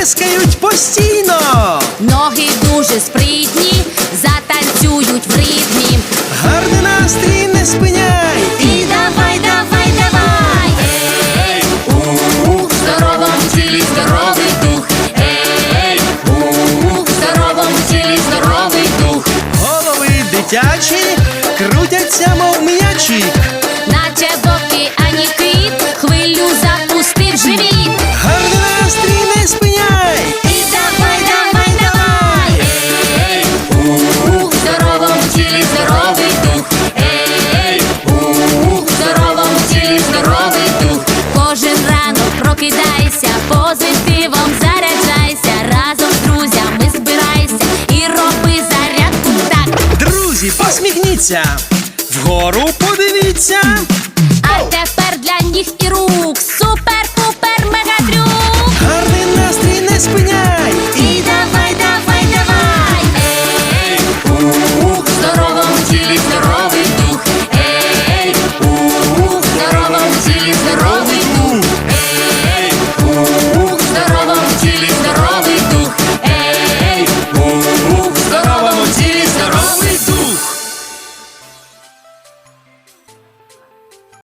плескають постійно. Ноги дуже спритні, затанцюють в ритмі. Гарний настрій не спиняй. І давай, давай, давай. Ей, в здоровому тілі здоровий дух. Ей, в здоровому тілі здоровий дух. Голови дитячі крутяться, мов м'ячі. Наче в океані кит, хвилю запустив живіт. Гарний настрій не спиняй. І давай, давай, давай. Ей, в здоровому тілі здоровий дух. Ей, в здоровому тілі здоровий дух. Кожен ранок прокидайся, позитивом заряджайся. Разом з друзями збирайся і роби зарядку так. Друзі, посміхніться, вгору подивіться. А тепер для ніг і рук